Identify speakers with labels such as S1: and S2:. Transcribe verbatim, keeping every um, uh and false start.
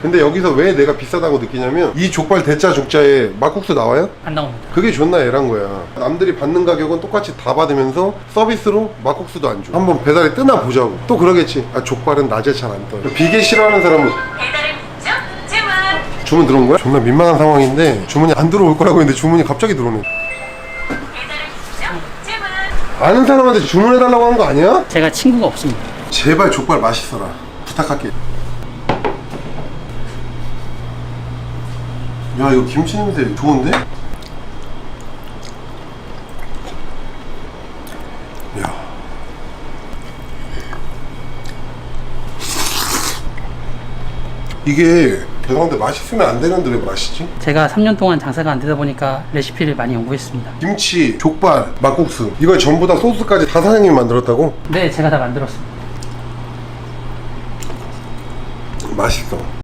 S1: 근데 여기서 왜 내가 비싸다고 느끼냐면 이 족발 대짜 족자에 막국수 나와요?
S2: 안 나옵니다.
S1: 그게 존나 애란 거야. 남들이 받는 가격은 똑같이 다 받으면서 서비스로 막국수도 안 줘. 한번 배달이 뜨나 보자고. 또 그러겠지. 아 족발은 낮에 잘 안 떠요. 비계 싫어하는 사람은
S3: 배달의 목적 주문.
S1: 주문 들어온 거야? 존나 민망한 상황인데 주문이 안 들어올 거라고 했는데 주문이 갑자기 들어오네.
S3: 배달의 목적 주문.
S1: 아는 사람한테 주문해달라고 하는 거 아니야?
S2: 제가 친구가 없습니다.
S1: 제발 족발 맛있어라. 부탁할게. 야 이거 김치 냄새 좋은데? 야 이게 죄송한데 맛있으면 안 되는데 왜 맛있지?
S2: 제가 삼 년 동안 장사가 안 되다 보니까 레시피를 많이 연구했습니다.
S1: 김치, 족발, 막국수 이걸 전부 다 소스까지 다 사장님이 만들었다고?
S2: 네, 제가 다 만들었습니다.
S1: 맛있어.